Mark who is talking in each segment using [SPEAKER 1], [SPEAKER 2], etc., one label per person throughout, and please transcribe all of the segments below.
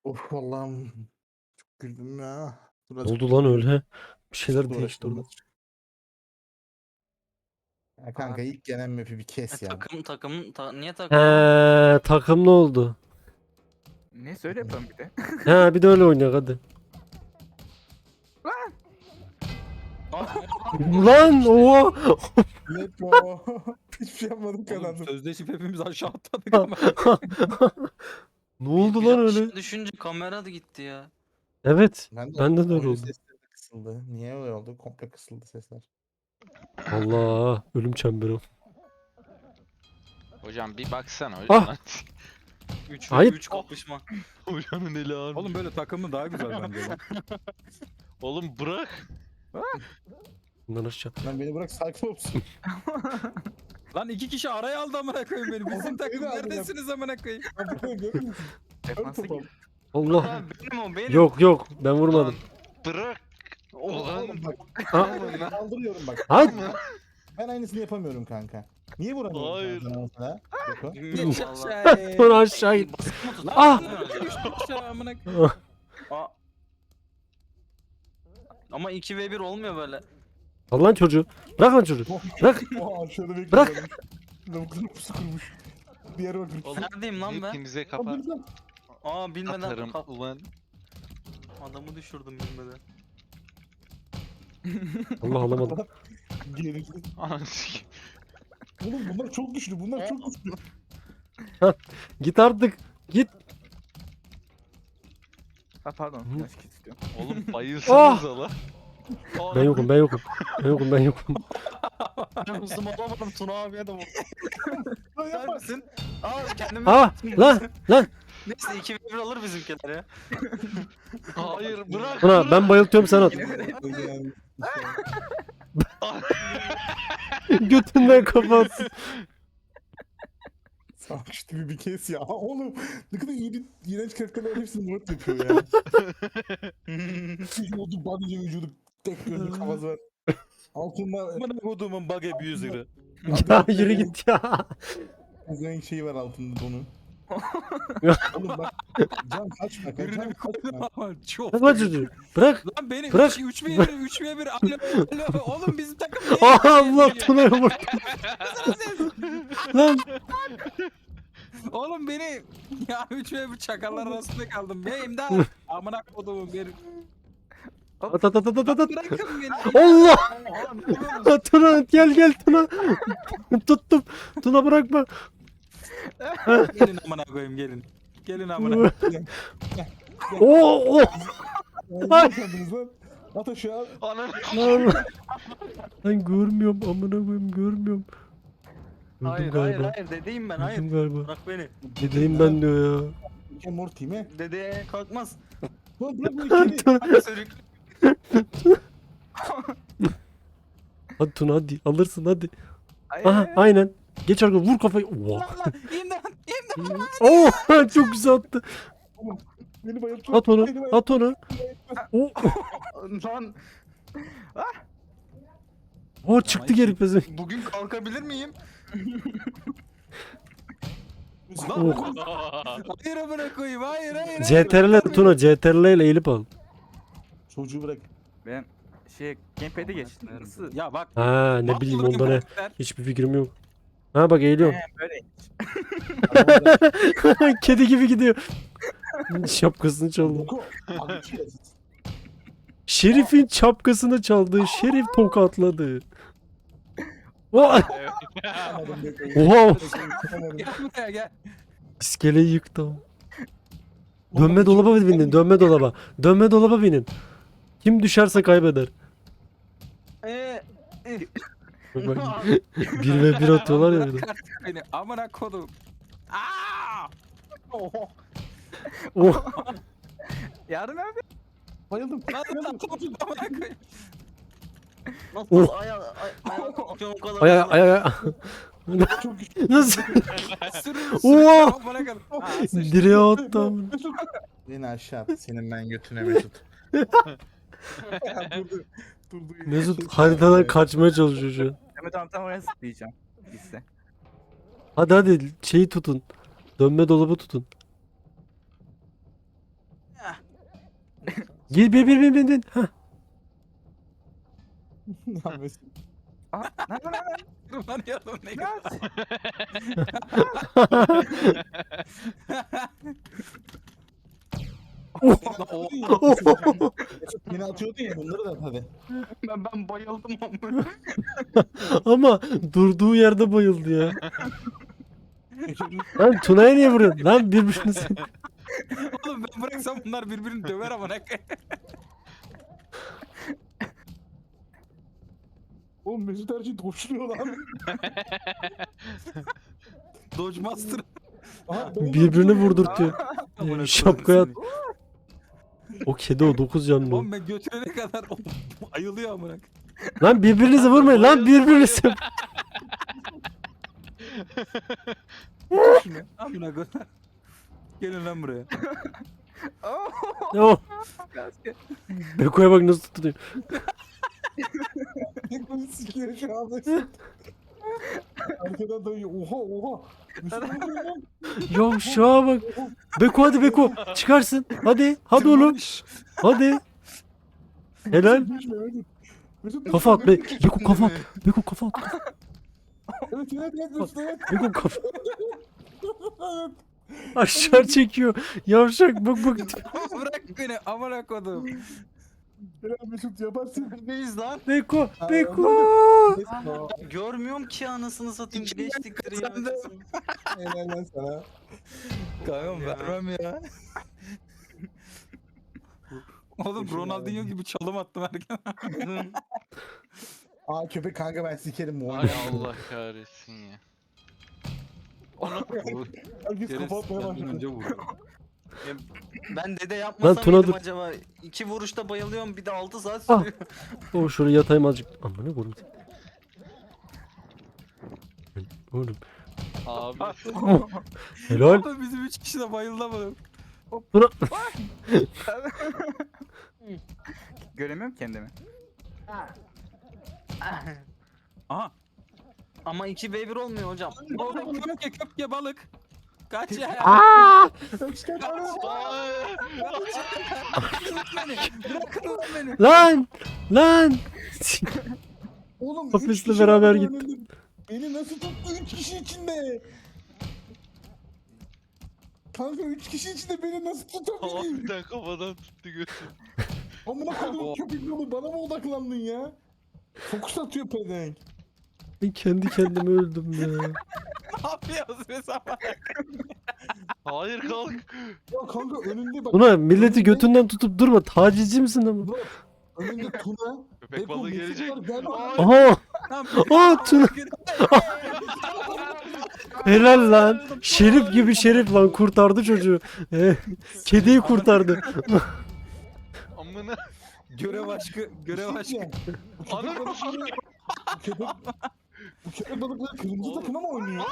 [SPEAKER 1] Of Allah'ım. Çok güldüm ya. Dur
[SPEAKER 2] Ne
[SPEAKER 1] azıcık
[SPEAKER 2] oldu lan
[SPEAKER 1] uğraşayım.
[SPEAKER 2] öyle? Bir şeyler
[SPEAKER 1] Azıcık
[SPEAKER 2] değişti
[SPEAKER 1] uğraşalım
[SPEAKER 2] orada.
[SPEAKER 1] azıcık. Ya kanka
[SPEAKER 3] Abi.
[SPEAKER 1] ilk gelen map'i bir kes ya.
[SPEAKER 3] Niye takım?
[SPEAKER 2] He, takım ne oldu?
[SPEAKER 4] Ne söyle yapalım bir de.
[SPEAKER 2] He bir de öyle oynayak hadi. Lan oha.
[SPEAKER 1] Net o. Hiçbir şey yapmadım
[SPEAKER 5] Oğlum
[SPEAKER 1] kazandım.
[SPEAKER 5] sözleşip hepimiz aşağı atladık ama.
[SPEAKER 2] Ne oldu
[SPEAKER 3] Bir
[SPEAKER 2] lan
[SPEAKER 3] aşağı
[SPEAKER 2] öyle?
[SPEAKER 3] düşünce kamera da gitti ya.
[SPEAKER 2] Evet.
[SPEAKER 1] Ben de
[SPEAKER 2] Bende de öyle
[SPEAKER 1] oyun
[SPEAKER 2] oldu.
[SPEAKER 1] sesleri de kısıldı. Niye öyle oldu? Komple kısıldı sesler.
[SPEAKER 2] Allah ölüm çemberi.
[SPEAKER 6] Hocam bir baksana
[SPEAKER 2] Ah!
[SPEAKER 6] hocam.
[SPEAKER 3] 3
[SPEAKER 2] Hayır.
[SPEAKER 3] 3 kapışma.
[SPEAKER 6] Hocanın eli ağrıyor.
[SPEAKER 5] Oğlum böyle takımı daha güzel bence. lan.
[SPEAKER 6] Oğlum bırak.
[SPEAKER 2] Bundan aşağı.
[SPEAKER 1] Lan beni bırak sakin olsun.
[SPEAKER 5] Lan 2 kişi araya aldı amına koyayım beni. Bizim
[SPEAKER 1] Oğlum,
[SPEAKER 5] takım
[SPEAKER 1] beni aldı ya.
[SPEAKER 5] neredesiniz amına koyayım?
[SPEAKER 1] Görüyor musun?
[SPEAKER 4] Defansa
[SPEAKER 1] Topal.
[SPEAKER 4] gir.
[SPEAKER 2] Allah.
[SPEAKER 3] Lan benim o benim.
[SPEAKER 2] Yok yok ben vurmadım.
[SPEAKER 6] Bırak. Ulan.
[SPEAKER 1] Oğlum bak.
[SPEAKER 2] Ha?
[SPEAKER 1] Kaldırıyorum bak.
[SPEAKER 2] Hayır.
[SPEAKER 1] Ben aynısını yapamıyorum kanka. Niye vuramıyorum
[SPEAKER 6] Hayır.
[SPEAKER 1] sana mesela? Beko.
[SPEAKER 3] Bilmiyorum
[SPEAKER 5] Geç
[SPEAKER 3] valla.
[SPEAKER 5] aşağıya.
[SPEAKER 2] Sonra aşağı in.
[SPEAKER 3] Baskı mı tuttu?
[SPEAKER 2] Ah!
[SPEAKER 5] Geç aşağı amına koyayım.
[SPEAKER 3] Aa. Ama 2v1 olmuyor böyle.
[SPEAKER 2] Al lan çocuğu. Bırak lan çocuğu. Bırak.
[SPEAKER 1] Oha aşağıda bekliyorum.
[SPEAKER 2] Bırak.
[SPEAKER 1] Lavukların pusu kurmuş. Diğer bakın.
[SPEAKER 6] Oğlum
[SPEAKER 3] Neredeyim lan ben?
[SPEAKER 6] hepinize kafa
[SPEAKER 3] Aa bilmeden
[SPEAKER 6] atarım ulan.
[SPEAKER 3] adamı düşürdüm bilmeden.
[SPEAKER 2] Allah alamadım.
[SPEAKER 1] Geri.
[SPEAKER 6] Ananı sikeyim.
[SPEAKER 1] Oğlum bunlar çok güçlü. Bunlar çok güçlü.
[SPEAKER 2] Git artık. Git.
[SPEAKER 4] Ha pardon.
[SPEAKER 2] Hı.
[SPEAKER 4] Yanlış kit istiyorum.
[SPEAKER 6] Oğlum bayılsanız ala.
[SPEAKER 2] Ben yokum ben yokum. Ben yokum ben yokum.
[SPEAKER 3] Ben hızımı alamadım Tuna abiye de vurdum.
[SPEAKER 1] Lan
[SPEAKER 3] Sen
[SPEAKER 1] yapma.
[SPEAKER 3] misin? Aa kendimi
[SPEAKER 2] Ah lan lan.
[SPEAKER 3] Neyse 2v1 alır bizimkiler ya.
[SPEAKER 6] Hayır bırak.
[SPEAKER 2] Buna ben bayıltıyorum sen at.
[SPEAKER 1] Yani,
[SPEAKER 2] Götünden kapatsın.
[SPEAKER 1] Savaş gibi bir kes ya. Oğlum ne kadar iyi bir iğrenç karakterler hepsini Murat yapıyor ya. Vücudu, body vücudu, tek gözlü kafası var. Altında
[SPEAKER 5] Amına koduğumun bug abuser'ı.
[SPEAKER 2] Ya yürü git ya.
[SPEAKER 1] renk şeyi var altında donu. Oğlum bak can kaçma kaçma.
[SPEAKER 5] Birini bir koydum ama çok.
[SPEAKER 2] Bırak lan çocuğu. Bırak.
[SPEAKER 5] Lan beni
[SPEAKER 2] Bırak.
[SPEAKER 5] 3v1 3v1 alo alo oğlum bizim takım niye?
[SPEAKER 2] Ah Allah Tuna'ya vurdu. Lan.
[SPEAKER 5] Oğlum beni ya 3v1 çakallar arasında kaldım. Ya imdat. Amına koduğum bir.
[SPEAKER 2] At at at at at at.
[SPEAKER 5] Bırakın beni.
[SPEAKER 2] Allah.
[SPEAKER 5] Oğlum,
[SPEAKER 2] Tuna gel gel Tuna. Tuttum. Tuna bırakma.
[SPEAKER 5] gelin amına koyayım gelin. Gelin amına.
[SPEAKER 2] Oo.
[SPEAKER 1] Ay. Sandınız lan. At aşağı.
[SPEAKER 6] Ananı.
[SPEAKER 2] Lan. Ben görmüyorum amına koyayım görmüyorum. Öldüm
[SPEAKER 3] Hayır
[SPEAKER 2] galiba.
[SPEAKER 3] hayır dedeyim ben hayır.
[SPEAKER 2] Öldüm galiba.
[SPEAKER 3] Bırak beni.
[SPEAKER 2] Dedeyim ben diyor ya.
[SPEAKER 1] Rick and Morty mi?
[SPEAKER 3] Dedeye kalkmaz.
[SPEAKER 1] Lan bırak bu ikili.
[SPEAKER 2] Tuna.
[SPEAKER 3] Sürük.
[SPEAKER 2] Hadi Tuna hadi alırsın hadi.
[SPEAKER 4] Ay,
[SPEAKER 2] Aha aynen. Geç arkaya vur kafayı. Oha.
[SPEAKER 5] Lan lan imdat imdat.
[SPEAKER 2] Oo çok güzel attı.
[SPEAKER 1] Beni bayılttı.
[SPEAKER 2] At onu.
[SPEAKER 1] Beni bayılttı.
[SPEAKER 2] At onu. Oo.
[SPEAKER 3] Lan
[SPEAKER 2] Oo çıktı geri pezi.
[SPEAKER 3] bugün kalkabilir miyim?
[SPEAKER 2] Oh.
[SPEAKER 5] Hayır amına koyayım hayır hayır.
[SPEAKER 2] CTRL Tuna CTRL ile eğilip al.
[SPEAKER 1] Çocuğu bırak.
[SPEAKER 4] Ben gamepad'e geçtim. Nasıl?
[SPEAKER 5] Ya bak.
[SPEAKER 2] Ha ne bileyim
[SPEAKER 5] Mahvolur
[SPEAKER 2] onda ne.
[SPEAKER 5] karakter.
[SPEAKER 2] Hiçbir fikrim yok. Ha bak eğiliyorum.
[SPEAKER 4] Böyle.
[SPEAKER 2] Kedi gibi gidiyor. Şapkasını çaldı.
[SPEAKER 1] Boko. Abi bir şey yazın.
[SPEAKER 2] Şerif'in şapkasını çaldı. Şerif tokatladı. Vay!
[SPEAKER 1] Yapamadım Beko'yu.
[SPEAKER 2] Oha!
[SPEAKER 1] Yapamadım.
[SPEAKER 5] Gel buraya gel.
[SPEAKER 2] İskeleyi yıktım. Dönme dolaba binin. Dönme dolaba. Dönme dolaba binin. Kim düşerse kaybeder. Bak, bak. 1 ve 1 atıyorlar ya bir de.
[SPEAKER 5] Bırak artık beni amına kodum. Aa!
[SPEAKER 2] Oh.
[SPEAKER 4] Yardım abi.
[SPEAKER 1] Bayıldım.
[SPEAKER 5] Lan lan amına koyayım.
[SPEAKER 3] Nasıl
[SPEAKER 2] Oh.
[SPEAKER 3] ayağa kalkıyorum o kadar.
[SPEAKER 2] Ay
[SPEAKER 3] hızlı.
[SPEAKER 2] ay ay.
[SPEAKER 1] Çok güçlü.
[SPEAKER 2] Nasıl?
[SPEAKER 5] Sürün
[SPEAKER 2] Oha!
[SPEAKER 5] amına koyayım. Aa, sıçtı.
[SPEAKER 2] Direğe attı amına.
[SPEAKER 1] Beni aşağı at. Senin ben götüne Mesut. Durdu. Durdu.
[SPEAKER 2] Mesut haritadan kaçmaya çalışıyor şu an.
[SPEAKER 4] Mehmet abi tam oraya zıplayacağım. Gitse.
[SPEAKER 2] Hadi hadi şeyi tutun. Dönme dolabı tutun. Gel bin. Hah.
[SPEAKER 1] Ya Mesut.
[SPEAKER 4] Aha, lan.
[SPEAKER 5] Tırmanıyordum ne kadar.
[SPEAKER 1] Beni atıyordun ya bunları da hadi.
[SPEAKER 4] Ben bayıldım ama.
[SPEAKER 2] Ama durduğu yerde bayıldı ya. Lan Tuna'ya niye vuruyorsun? Lan birbirinizi.
[SPEAKER 5] Oğlum ben bıraksam bunlar birbirini döver ama ne
[SPEAKER 1] Oğlum Mesut her şeyi doşuruyor lan.
[SPEAKER 5] Dodge Master.
[SPEAKER 1] Aha, beni de
[SPEAKER 2] Birbirini
[SPEAKER 1] atıyor.
[SPEAKER 2] vurdurtuyor.
[SPEAKER 5] Amına
[SPEAKER 2] Şapkaya
[SPEAKER 5] koyayım
[SPEAKER 2] O kedi o 9
[SPEAKER 5] seni.
[SPEAKER 2] canlı. o.
[SPEAKER 5] Oğlum ben götürene kadar o ayılıyor amına.
[SPEAKER 2] Lan birbirinizi vurmayın lan birbirinizi.
[SPEAKER 5] Şunu amına koyayım. Gelin lan buraya.
[SPEAKER 2] Oh. Beko'ya bak nasıl tutuyor.
[SPEAKER 1] Beni sikiyor şu an Mesut. Arkadan dayıyor. Oha. Mesut ne oluyor lan?
[SPEAKER 2] Ya şuna bak. Beko hadi Beko. Çıkarsın. Hadi oğlum.
[SPEAKER 5] Tırmanış.
[SPEAKER 2] Hadi. Helal.
[SPEAKER 1] Mesut düşme, Mesut. Mesut
[SPEAKER 2] Kafa at.
[SPEAKER 1] düşme,
[SPEAKER 2] Beko kafa at. Beko kafa at.
[SPEAKER 1] Evet Mesut evet.
[SPEAKER 2] Beko kafa. Aşağı çekiyor. Yavşak bak.
[SPEAKER 5] Bırak beni amına koydum.
[SPEAKER 1] Helal Mesut yaparsın.
[SPEAKER 3] Neyiz lan?
[SPEAKER 2] Beko.
[SPEAKER 1] Mesut.
[SPEAKER 3] Görmüyorum ki anasını satayım. Geçtikleri ya.
[SPEAKER 5] Sen de-
[SPEAKER 1] Helal lan sana.
[SPEAKER 5] Kankam vermem ya. Oğlum
[SPEAKER 1] Düşün
[SPEAKER 5] Ronaldinho
[SPEAKER 1] abi.
[SPEAKER 5] gibi çalım attım herkese.
[SPEAKER 1] Aa köpek kanka ben sikerim bu
[SPEAKER 6] Ay
[SPEAKER 1] oyunu.
[SPEAKER 6] Allah kahretsin ya. Onu
[SPEAKER 1] Herkes kafa atmaya başladı.
[SPEAKER 5] önce vurdu.
[SPEAKER 3] Ben dede yapmasam
[SPEAKER 2] Tuna
[SPEAKER 3] mıydım
[SPEAKER 2] dur.
[SPEAKER 3] acaba? 2 vuruşta bayılıyorum bir de 6 saat
[SPEAKER 2] Ah.
[SPEAKER 3] sürüyor.
[SPEAKER 2] O şuraya yatayım azıcık. Aman ne koyayım. Oğlum.
[SPEAKER 6] abi.
[SPEAKER 2] Helal.
[SPEAKER 5] Oğlum bizim 3 kişi de bayıldı ama.
[SPEAKER 2] Tuna.
[SPEAKER 4] Göremiyorum kendimi.
[SPEAKER 5] Aha.
[SPEAKER 3] Ama 2v1 olmuyor hocam.
[SPEAKER 5] Oğlum köpke balık. Kaç ya.
[SPEAKER 2] Aa!
[SPEAKER 5] Bırakın beni. Bırakın lan beni.
[SPEAKER 2] Lan.
[SPEAKER 1] Oğlum
[SPEAKER 2] Kafesle
[SPEAKER 1] 3 kişi
[SPEAKER 2] beraber
[SPEAKER 1] var
[SPEAKER 2] gitti.
[SPEAKER 1] önünde. Beni nasıl tuttu 3 kişi içinde? Kanka 3 kişi içinde beni nasıl tutabilir?
[SPEAKER 6] Harbiden kafadan tuttu götü.
[SPEAKER 1] Amına koydum köpek balığı bana mı odaklandın ya? Fokus atıyor pedenk.
[SPEAKER 2] Ben kendi kendime öldüm ya.
[SPEAKER 5] Ne yapıyoruz be sabah?
[SPEAKER 6] Hayır kalk.
[SPEAKER 1] Ya kanka önünde bak.
[SPEAKER 2] Tuna milleti götünden tutup durma. Tacizci misin ama?
[SPEAKER 1] Önünde Tuna.
[SPEAKER 6] Köpek
[SPEAKER 1] Beko,
[SPEAKER 6] balığı
[SPEAKER 1] Mesut
[SPEAKER 6] gelecek.
[SPEAKER 1] var, gel bak.
[SPEAKER 6] Ay.
[SPEAKER 2] Aha. Aa Tuna. Helal lan. Şerif gibi şerif lan kurtardı çocuğu. Kediyi kurtardı.
[SPEAKER 6] Amına.
[SPEAKER 5] Görev aşkı. Görev aşkı.
[SPEAKER 1] Ya, bu köpek
[SPEAKER 6] Anam.
[SPEAKER 1] balıkları- Bu köpek balıkları kırmızı takıma mı oynuyor?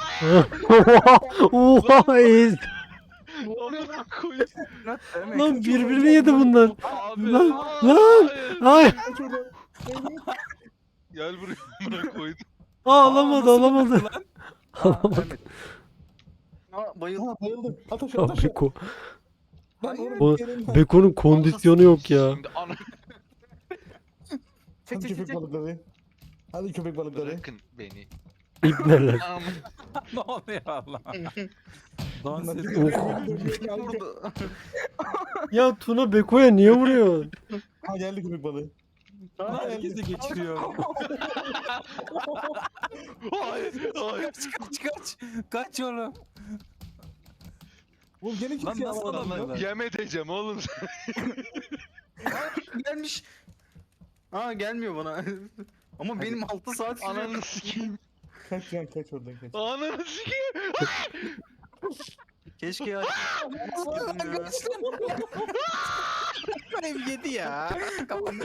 [SPEAKER 2] Oha ez.
[SPEAKER 6] Amına koyayım.
[SPEAKER 2] Lan birbirini yedi bunlar.
[SPEAKER 6] Abi.
[SPEAKER 2] Lan,
[SPEAKER 6] Hayır.
[SPEAKER 2] Ay.
[SPEAKER 1] Kaç oradan.
[SPEAKER 6] Gel buraya amına koydum.
[SPEAKER 2] Alamadı. Alamadı.
[SPEAKER 3] Aa, bayıldım.
[SPEAKER 1] Ha bayıldı. At aşağı
[SPEAKER 2] Ya
[SPEAKER 1] at aşağı.
[SPEAKER 2] Beko.
[SPEAKER 1] Ben
[SPEAKER 3] Hayır.
[SPEAKER 2] Bu
[SPEAKER 1] onun yerimden-
[SPEAKER 2] Beko'nun kondisyonu yok ya.
[SPEAKER 6] Şimdi ana.
[SPEAKER 1] Hadi köpek balıkları. Hadi köpek balıkları.
[SPEAKER 6] Bırakın beni.
[SPEAKER 2] İbneler.
[SPEAKER 6] Am-
[SPEAKER 5] Ne oluyor Allah? Dans
[SPEAKER 1] Bunlar
[SPEAKER 5] ediyor.
[SPEAKER 1] köpek balıkları kanka.
[SPEAKER 3] Vurdu.
[SPEAKER 2] Ya Tuna Beko'ya niye vuruyor?
[SPEAKER 1] Ha geldi köpek balığı. Ha geldi.
[SPEAKER 5] Herkesi geçiriyor.
[SPEAKER 6] Hayır. Hayır.
[SPEAKER 5] Kaç. Kaç oğlum.
[SPEAKER 1] Oğlum gene
[SPEAKER 5] Lan
[SPEAKER 1] kimse
[SPEAKER 5] nasıl
[SPEAKER 1] alamadı.
[SPEAKER 5] alamıyorlar?
[SPEAKER 6] Yem edeceğim oğlum.
[SPEAKER 3] Gelmiş. Aa gelmiyor bana. Ama benim 6 saat sürüyor.
[SPEAKER 6] Ananı sikeyim.
[SPEAKER 1] Kaç lan kaç oradan kaç.
[SPEAKER 6] Ananı sikeyim.
[SPEAKER 3] Keşke ya.
[SPEAKER 5] Benim yedi ya.
[SPEAKER 1] Kanka.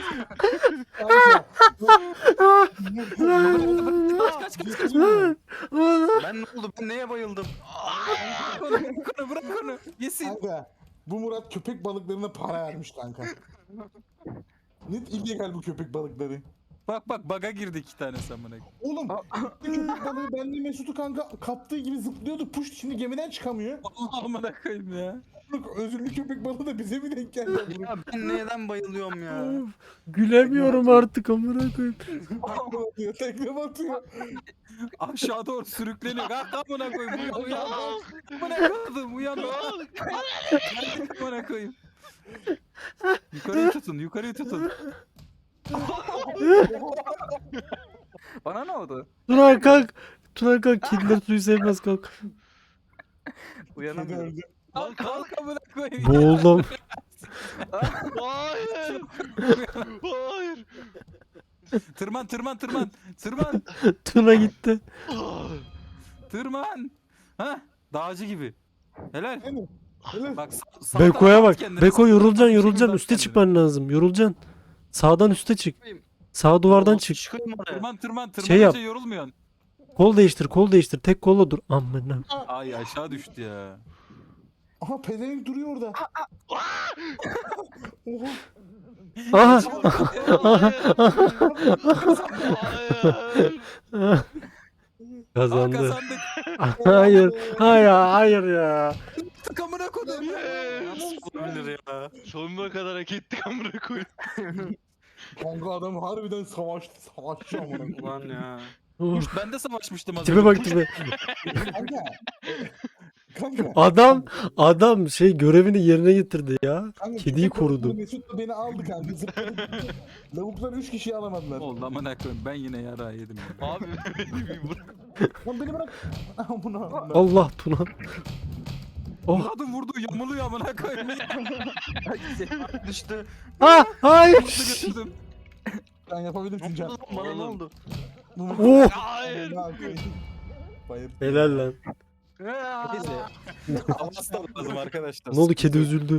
[SPEAKER 5] Kaç kaç.
[SPEAKER 3] Ben ne oldu? Ben neye bayıldım?
[SPEAKER 5] Bırak onu bırak onu. Yesin.
[SPEAKER 1] Kanka bu Murat köpek balıklarına para vermiş kanka. Net illegal bu köpek balıkları.
[SPEAKER 5] Bak bak baga girdi 2 tane amına.
[SPEAKER 1] Oğlum köpek balığı benle Mesut'u kanka kaptığı gibi zıplıyordu. Puş şimdi gemiden çıkamıyor.
[SPEAKER 5] Allah amına koyayım ya.
[SPEAKER 1] Özürlü köpek balığı da bize mi denk geldi?
[SPEAKER 3] Ya ben neden bayılıyorum ya?
[SPEAKER 2] Of, gülemiyorum artık amına koyayım.
[SPEAKER 1] Tekme batıyor, tekme batıyor.
[SPEAKER 5] Aşağı doğru sürükleniyor. Kalk amına koyayım. Uyan. Amına koydum. Uyan. Geldik amına koyayım. Yukarıyı tutun. Yukarıyı tutun.
[SPEAKER 4] Bana ne oldu?
[SPEAKER 2] Tuna kalk. Tuna kalk. Kediler suyu sevmez kalk.
[SPEAKER 1] Kedi
[SPEAKER 4] Uyanamıyorum.
[SPEAKER 1] öldü.
[SPEAKER 6] Lan kalk.
[SPEAKER 5] Kalk amına koyayım.
[SPEAKER 2] Boğuldum.
[SPEAKER 6] Hayır. Hayır.
[SPEAKER 5] Tırman tırman tırman. Tırman.
[SPEAKER 2] Tuna gitti.
[SPEAKER 5] Tırman. Ha? Dağcı gibi. Helal.
[SPEAKER 1] Aynen. Öyle.
[SPEAKER 5] Bak sağ
[SPEAKER 2] Beko'ya
[SPEAKER 5] tarafa
[SPEAKER 2] bak.
[SPEAKER 5] at kendini,
[SPEAKER 2] Beko
[SPEAKER 5] sağ
[SPEAKER 2] yorulacaksın
[SPEAKER 5] tarafa
[SPEAKER 2] yorulacaksın.
[SPEAKER 5] at
[SPEAKER 2] Üste
[SPEAKER 5] kendini.
[SPEAKER 2] çıkman lazım. Yorulacaksın. Sağdan üste çık. Sağ duvardan çık.
[SPEAKER 3] Çıkıyorum oraya.
[SPEAKER 5] Tırman tırman tırman.
[SPEAKER 2] Şey yap.
[SPEAKER 5] Yorulmuyorsun.
[SPEAKER 2] Kol değiştir kol değiştir. Tek kolla dur. Amına.
[SPEAKER 5] Ay aşağı düştü ya.
[SPEAKER 1] Aha pezevenk duruyor orada. Oha.
[SPEAKER 2] Aha.
[SPEAKER 6] Hayır.
[SPEAKER 2] Kazandı.
[SPEAKER 5] Kazandık.
[SPEAKER 2] Hayır. Hayır. Hayır ya.
[SPEAKER 5] Tık amına koydum.
[SPEAKER 3] Nasıl olabilir ya?
[SPEAKER 6] Sonuna kadar hak ettik amına koyayım.
[SPEAKER 1] Kanka adam harbiden savaşçı amına koyayım.
[SPEAKER 3] Ulan ya.
[SPEAKER 2] Of.
[SPEAKER 5] Ben de savaşmıştım az
[SPEAKER 2] Tipe
[SPEAKER 5] önce.
[SPEAKER 2] bak tipe.
[SPEAKER 1] Kanka. Kanka.
[SPEAKER 2] Adam şey görevini yerine getirdi ya.
[SPEAKER 1] Kanka,
[SPEAKER 2] Kediyi
[SPEAKER 1] köpek balığı
[SPEAKER 2] korudu.
[SPEAKER 1] Mesut da beni aldı kanka. Zıpladı. Lavuklar 3 kişiyi alamadılar.
[SPEAKER 5] Oldu amına koyayım. Ben yine yara yedim. Ya.
[SPEAKER 6] Abi beni bir bırak.
[SPEAKER 1] Lan beni bırak. Amına.
[SPEAKER 2] Allah Tuna. Oh.
[SPEAKER 5] Kadın vurdu yamuluyor amına koyayım.
[SPEAKER 3] Düştü.
[SPEAKER 2] Ah hayır.
[SPEAKER 5] Mutlu götürdüm.
[SPEAKER 1] Sen yapabilirsin Can.
[SPEAKER 3] Bana ne oldu?
[SPEAKER 2] Oh.
[SPEAKER 6] Hayır.
[SPEAKER 1] Bayır.
[SPEAKER 2] Helal lan.
[SPEAKER 5] Neyse. Havası da lazım arkadaşlar.
[SPEAKER 2] Ne oldu kedi üzüldü.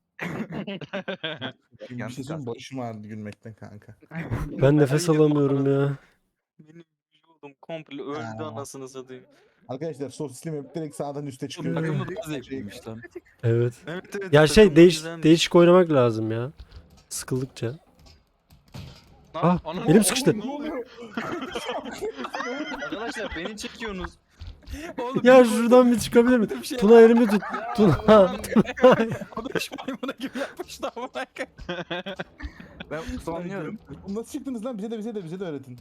[SPEAKER 1] Bir şey söyleyeyim başım ağrıdı gülmekten kanka.
[SPEAKER 2] Ben nefes alamıyorum ya.
[SPEAKER 3] Benim vücudum komple öldü anasını satayım.
[SPEAKER 1] Arkadaşlar sosisli map direkt sağdan üste
[SPEAKER 5] Bu
[SPEAKER 1] çıkıyor.
[SPEAKER 5] takım da daha zevkliymiş lan.
[SPEAKER 2] Evet.
[SPEAKER 3] Evet evet.
[SPEAKER 2] Ya şey
[SPEAKER 3] takım güzelmiş.
[SPEAKER 2] değişik oynamak lazım ya. Sıkıldıkça. Ah
[SPEAKER 6] Anam,
[SPEAKER 2] elim sıkıştı.
[SPEAKER 6] Ne oluyor?
[SPEAKER 3] Arkadaşlar beni çekiyorsunuz.
[SPEAKER 5] Oğlum,
[SPEAKER 2] Ya şuradan bir çıkabilir mi?
[SPEAKER 5] bir şey
[SPEAKER 2] Tuna elimi tut. Tuna.
[SPEAKER 5] Konuş maymuna gibi yapmıştı amına koyayım.
[SPEAKER 4] Ben sonluyorum.
[SPEAKER 1] Oğlum nasıl çıktınız lan? Bize de öğretin.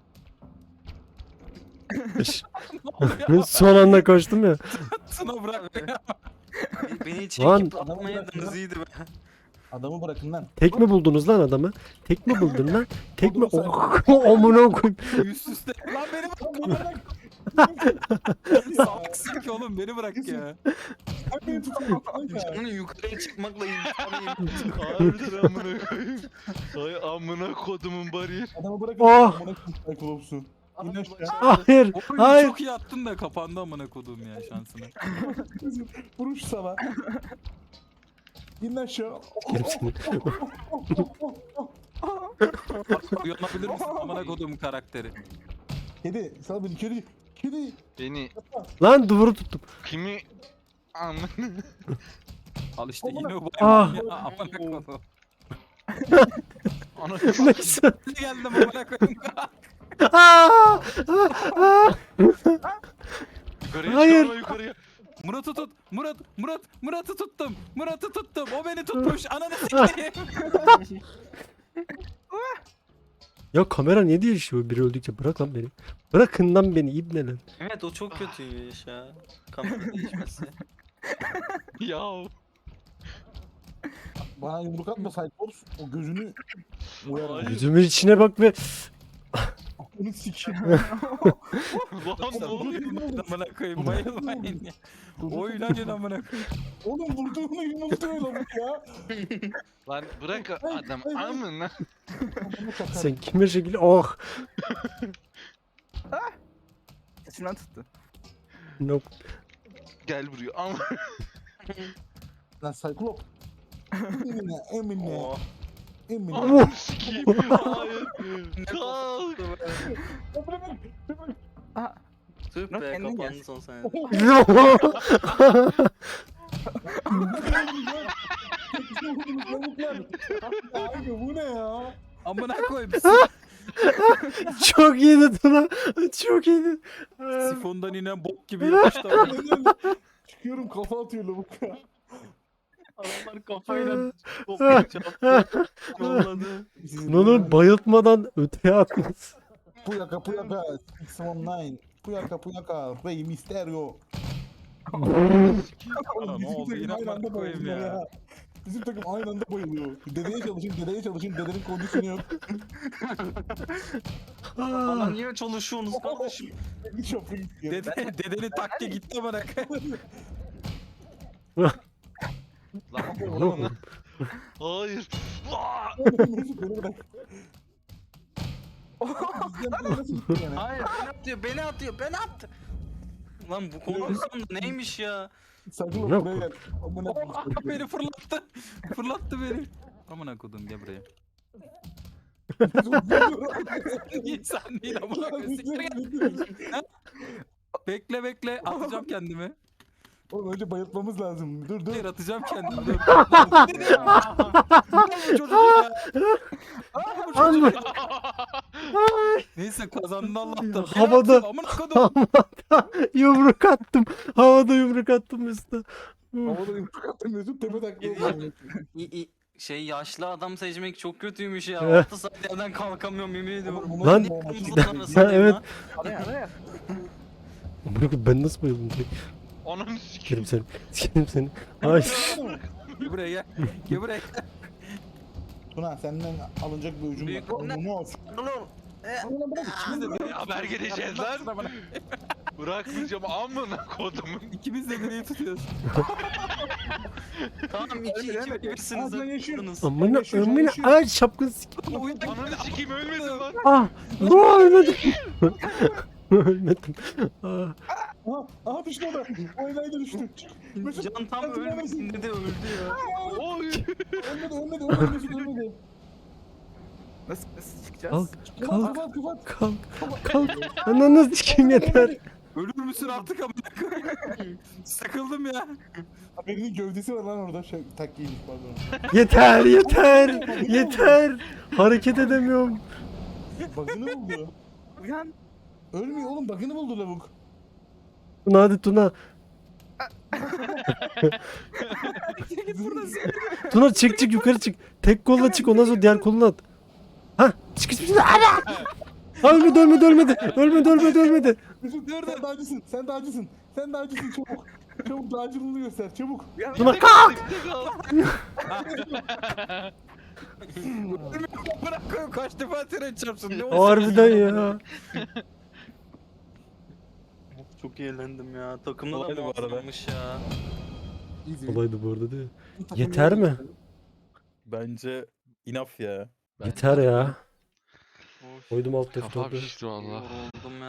[SPEAKER 2] Son anda koştum ya.
[SPEAKER 5] Tuna bırak beni.
[SPEAKER 3] Beni
[SPEAKER 2] Lan.
[SPEAKER 3] çekip atmayaydınız iyiydi be.
[SPEAKER 1] Adamı bırakın lan.
[SPEAKER 2] Tek mi buldunuz lan adamı? Tek mi buldun lan? Tek mi? Oh, amına koyayım.
[SPEAKER 5] Üst üste. Lan beni bırak.
[SPEAKER 1] Lan bırak.
[SPEAKER 5] Salaksın ki oğlum beni bırak ya.
[SPEAKER 1] Sen beni tutun kanka.
[SPEAKER 3] Canının yukarıya çıkmakla imkanı
[SPEAKER 6] Harbiden amına koyayım. Ay amına kodumun bariyer.
[SPEAKER 1] Adamı bırakın.
[SPEAKER 2] Oh.
[SPEAKER 1] Amına koyayım Cyclops'u. İn aşağı.
[SPEAKER 2] Hayır.
[SPEAKER 5] Oyunu
[SPEAKER 2] Hayır.
[SPEAKER 5] çok iyi attın da kapandı amına kodum ya şansına.
[SPEAKER 1] Vuruş sana. İn aşağı.
[SPEAKER 2] Gerisini.
[SPEAKER 5] Uyanabilir misin amına kodumun karakteri?
[SPEAKER 1] Kedi. Sal beni kedi. Kedi.
[SPEAKER 6] Beni
[SPEAKER 2] Lan duvarı tuttum.
[SPEAKER 6] kimi amına
[SPEAKER 5] Al işte yine o
[SPEAKER 2] Ah.
[SPEAKER 5] bayım ya amına kodum.
[SPEAKER 6] ana
[SPEAKER 2] Neyse.
[SPEAKER 5] Ne geldim amına koyayım.
[SPEAKER 2] Aa! Aa!
[SPEAKER 6] yukarıya
[SPEAKER 2] Hayır.
[SPEAKER 6] çıkarma yukarıya.
[SPEAKER 5] Murat'ı tut. Murat'ı tuttum. Murat'ı tuttum. O beni tutmuş. Ananı sikeyim.
[SPEAKER 2] Ya kamera niye değişiyor biri öldükçe? Bırak lan beni. Bırakın lan beni ibneler.
[SPEAKER 3] Evet o çok kötüymüş ya. Kamera değişmesi.
[SPEAKER 6] Ya
[SPEAKER 1] Bana yumruk atma Cyclops. O gözünü uyarım.
[SPEAKER 6] Hayır.
[SPEAKER 2] Gözümün içine bak ve
[SPEAKER 1] Onu sikeyim.
[SPEAKER 6] lan ne oluyor?
[SPEAKER 5] Amına koyayım bayılmayın ya. Oynayın amına koyayım.
[SPEAKER 1] Oğlum vurduğunu yumrukluyor lan bu ya.
[SPEAKER 6] Lan bırak adam amına.
[SPEAKER 1] Adamı çakar.
[SPEAKER 2] sen kime şekil oh.
[SPEAKER 4] Saçımdan tuttu.
[SPEAKER 2] Nope.
[SPEAKER 6] Gel buraya ama.
[SPEAKER 1] Lan Cyclops. Emine.
[SPEAKER 3] Oh.
[SPEAKER 1] Emine.
[SPEAKER 6] Ananı sikeyim. Hayır. Kalk.
[SPEAKER 3] Tüh
[SPEAKER 4] Lan
[SPEAKER 3] be
[SPEAKER 4] kendin
[SPEAKER 3] kapandı son saniye.
[SPEAKER 1] Lavuklar. Abi bu ne ya?
[SPEAKER 5] Amına koyayım.
[SPEAKER 2] Çok iyiydi Tuna. Çok iyiydi.
[SPEAKER 5] Sifondan inen bok gibi yapıştı ama.
[SPEAKER 1] Çıkıyorum kafa atıyor lavuk ya.
[SPEAKER 3] Adamlar kafayla toplayıp çarptı. Yolladı.
[SPEAKER 2] Tuna'nın bayıltmadan öteye atması.
[SPEAKER 1] Puyaka 619. Puyaka. Rey Mysterio.
[SPEAKER 5] Ana, ne oldu?
[SPEAKER 1] Bizim
[SPEAKER 5] Yine
[SPEAKER 1] takım aynı anda
[SPEAKER 5] amına koyayım
[SPEAKER 1] bayılıyor
[SPEAKER 5] ya.
[SPEAKER 1] Bizim takım aynı anda bayılıyor. Dedeye çalışın. Dedenin kondisyonu yok.
[SPEAKER 3] Bana niye çalışıyorsunuz kardeşim?
[SPEAKER 1] Bir shopping.
[SPEAKER 5] Dedenin takke gitti amına koyayım.
[SPEAKER 6] Lan hayır. Aa!
[SPEAKER 1] Mesut beni bırak. Bizden böyle nasıl gitti yani?
[SPEAKER 3] Hayır beni atıyor. Lan bu kondisyonda neymiş ya?
[SPEAKER 1] Sakın
[SPEAKER 2] Yok.
[SPEAKER 1] buraya gel. Amına
[SPEAKER 5] Ah, beni fırlattı. Fırlattı beni. Amına kodum gel buraya. İnsan değil amına koyayım. Siktir git. Bekle atacağım kendimi.
[SPEAKER 1] Oğlum önce bayıltmamız lazım. Dur.
[SPEAKER 5] Hayır atacağım kendimi dur. Bu çocuk ya. Bu çocuk. Neyse kazandın Allah'tan. Beni
[SPEAKER 2] Havada-
[SPEAKER 5] atıyor, amına kodum.
[SPEAKER 2] Havada yumruk attım. Havada yumruk attım Mesut'a.
[SPEAKER 1] Havada yumruk attım Mesut tepe taklıyor.
[SPEAKER 3] Şey yaşlı adam seçmek çok kötüymüş ya.
[SPEAKER 2] Evet.
[SPEAKER 3] 6 saat yerden kalkamıyorum yemin ediyorum.
[SPEAKER 1] Bunu
[SPEAKER 2] Lan-
[SPEAKER 1] yapma ama
[SPEAKER 3] Kırmızının
[SPEAKER 1] işte.
[SPEAKER 3] arasındayım
[SPEAKER 2] evet.
[SPEAKER 3] lan.
[SPEAKER 4] Araya.
[SPEAKER 2] Amına koyayım, ben nasıl bayıldım direkt?
[SPEAKER 6] Ananı
[SPEAKER 2] Sikerim
[SPEAKER 6] sikeyim.
[SPEAKER 2] seni. Sikerim seni. Ay.
[SPEAKER 5] Gel buraya gel. Gel buraya.
[SPEAKER 1] Tuna senden alınacak bir ucum
[SPEAKER 3] Büyük
[SPEAKER 1] var.
[SPEAKER 3] oyna-
[SPEAKER 1] Onu olsun.
[SPEAKER 3] Oğlum.
[SPEAKER 6] Haber geleceğiz lan. Bırakmayacağım amına kodumun.
[SPEAKER 5] İkimiz de direği tutuyoruz.
[SPEAKER 3] Tamam 2 birsiniz.
[SPEAKER 1] Aa, ben yaşıyorum.
[SPEAKER 2] Amına
[SPEAKER 1] Yaşıyor,
[SPEAKER 2] amına
[SPEAKER 1] yaşıyor.
[SPEAKER 2] ay şapkını sik.
[SPEAKER 6] Ananı sikeyim ölmedim lan.
[SPEAKER 2] Ah. Aa, ölmedim. Ölmedim. Ah.
[SPEAKER 1] Aha düştü o da. O enayi de düştü. Mesut
[SPEAKER 3] Can tam ölmesin dedi öldü ya.
[SPEAKER 6] Oy.
[SPEAKER 1] ölmedi Mesut ölmedi.
[SPEAKER 4] Nasıl çıkacağız?
[SPEAKER 2] Kalk.
[SPEAKER 1] Kapat
[SPEAKER 2] Kalk.
[SPEAKER 1] kapat.
[SPEAKER 2] Kalk. Ananı sikeyim yeter.
[SPEAKER 5] Ölür müsün artık amına koyayım? Sıkıldım ya.
[SPEAKER 1] Birinin gövdesi var lan orada. Şey, takkiymiş pardon.
[SPEAKER 2] Yeter. Hareket edemiyorum.
[SPEAKER 1] Bug'ını buldu.
[SPEAKER 4] Uyan.
[SPEAKER 1] Ölmüyor oğlum bug'ını buldu lavuk.
[SPEAKER 2] Tuna hadi Tuna. Tuna çık yukarı çık. Tek kolla çık ondan sonra diğer kolunu at. Hah çık. Ana! Ölmedi.
[SPEAKER 1] Mesut sen de acısın. Çabuk. Çabuk dağcılığını göster çabuk.
[SPEAKER 2] Tuna kalk.
[SPEAKER 5] Bırak koyayım kaç defa tren çarpsın. Ne olsun?
[SPEAKER 2] Harbiden ya.
[SPEAKER 3] Çok eğlendim ya. Takımda da
[SPEAKER 5] Kolaydı bu arada.
[SPEAKER 3] muazzammış ya.
[SPEAKER 2] Olaydı bu arada değil mi? Yeter mi?
[SPEAKER 5] Bence enough ya.
[SPEAKER 2] Yeter ya.
[SPEAKER 3] Of,
[SPEAKER 2] Koydum alt
[SPEAKER 6] Kafam
[SPEAKER 2] F4'ü.
[SPEAKER 6] şişti valla.
[SPEAKER 3] yoruldum ya.